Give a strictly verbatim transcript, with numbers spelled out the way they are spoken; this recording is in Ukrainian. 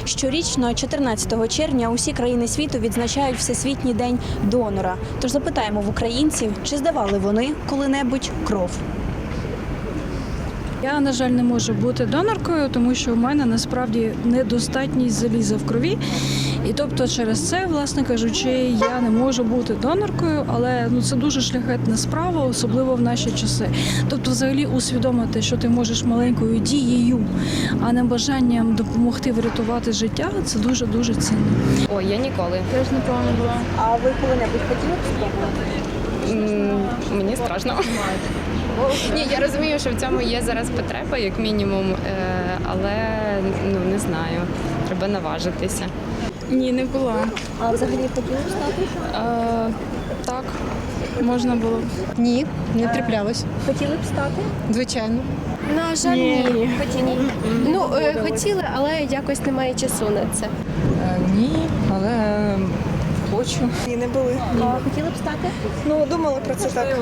Щорічно, чотирнадцятого червня, усі країни світу відзначають Всесвітній день донора. Тож запитаємо в українців, чи здавали вони коли-небудь кров. Я, на жаль, не можу бути доноркою, тому що у мене насправді недостатність заліза в крові. І тобто через це, власне кажучи, я не можу бути доноркою, але ну, це дуже шляхетна справа, особливо в наші часи. Тобто взагалі усвідомити, що ти можеш маленькою дією, а не бажанням допомогти врятувати життя, це дуже-дуже цінно. Ой, я ніколи. Теж не пробувала. А ви коли-небудь хотіли б спробувати? М, Мені страшно. Ні, я розумію, що в цьому є зараз потреба, як мінімум, е, але ну не знаю, треба наважитися. Ні, не була. А взагалі хотіли б стати? А, так, можна було. Ні, не траплялось. Хотіли б стати? Звичайно. На жаль, ні. Ні. Ну, е, хотіли, але якось немає часу на це. Ні, але хочу. Ні, не були. А хотіли б стати? Ну, думали про це так.